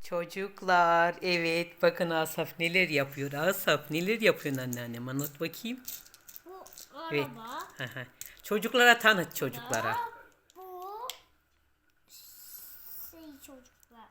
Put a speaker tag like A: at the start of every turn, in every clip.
A: Çocuklar, evet bakın Asaf neler yapıyor. Asaf neler yapıyorsun anneannem, anlat bakayım.
B: Bu
A: Evet.
B: araba.
A: Hı hı. Çocuklara tanıt
B: Da
A: çocuklara.
B: bu çocuklar.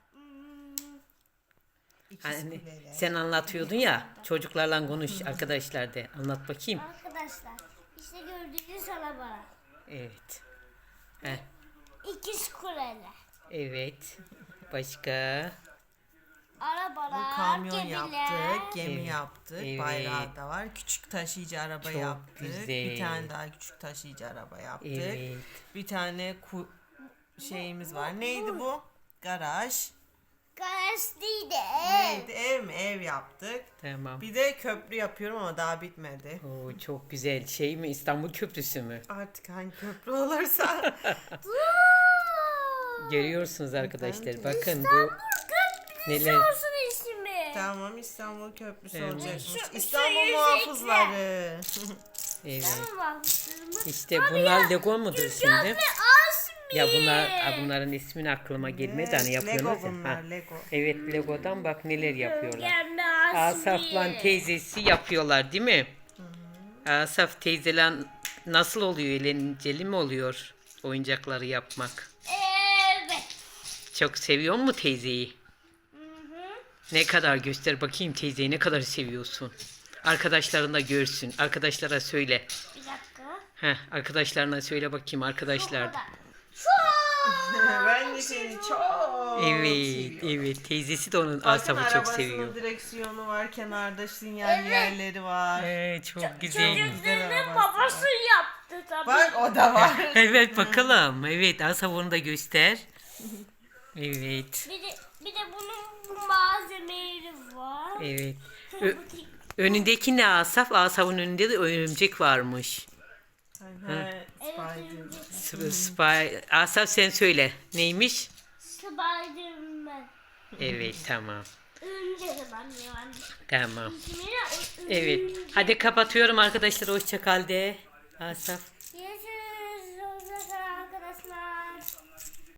A: Hani sen anlatıyordun ya, çocuklarla konuş arkadaşlar de, anlat bakayım.
B: Arkadaşlar işte gördüğünüz araba.
A: Evet. Heh,
B: İkiz kuleler.
A: evet. Başka?
B: Arabalar,
C: Bu kamyon
B: gemiler.
C: yaptık, gemi
A: Evet,
C: yaptık,
A: evet.
C: bayrağı da var. Küçük taşıyıcı araba
A: Çok
C: yaptık.
A: güzel.
C: Bir tane daha küçük taşıyıcı araba yaptık.
A: Evet.
C: Bir tane şeyimiz var. Neydi bu? Garaj.
B: Garaj değil de
C: Neydi? Ev mi? Ev yaptık.
A: Tamam.
C: Bir de köprü yapıyorum ama daha bitmedi.
A: Oo, çok güzel. Şey mi, İstanbul Köprüsü mü?
C: Artık hangi köprü olursa.
A: Görüyorsunuz arkadaşlar. Bakın bu
B: Köprüsü
A: neler.
B: olsun ismi.
C: Tamam, İstanbul Köprüsü
A: Evet.
C: olacakmış.
B: Şu
C: İstanbul
B: yüzükle.
C: muhafızları.
A: Evet.
B: Tamam.
A: İşte bunlar Lego mudur şimdi?
B: Asmi.
A: Ya bunların ismini aklıma gelmedi hani yapıyorsunuz
C: Lego
A: ya.
C: bunlar,
A: Ha.
C: Lego.
A: Evet, Lego'dan bak neler yapıyorlar.
B: Gelme Asmi.
A: Asaf'la teyzesi yapıyorlar değil mi? Asaf teyzeyle nasıl oluyor? Eğlenceli mi oluyor oyuncakları yapmak?
B: Evet.
A: Çok seviyor mu teyzeyi? Ne kadar, göster bakayım teyzeyi, ne kadar seviyorsun. Arkadaşların da görsün. Arkadaşlara söyle.
B: Bir dakika.
A: Arkadaşlarına söyle bakayım arkadaşlar.
C: Ben de seni çok
A: Evet,
C: seviyorum.
A: evet. Teyzesi de onun
C: Bakın
A: Asaf'ı çok
C: arabasının
A: seviyor.
C: direksiyonu var, kenarda sinyallerleri var.
A: Çok güzel.
B: Çocukların babası yaptı tabii.
C: Bak, o da var.
A: Evet bakalım. Evet, Asaf onu da göster. Evet,
B: Bir de bunun bu malzemeleri var.
A: evet. Önündeki ne Asaf? Asaf'ın önünde de örümcek varmış. Asaf sen söyle. Neymiş?
B: Spiderman.
A: Evet, tamam.
B: Örümcek adam yani.
A: Tamam.
B: İsmini
A: Evet. Hadi kapatıyorum arkadaşlar. Hoşça kal de. Asaf.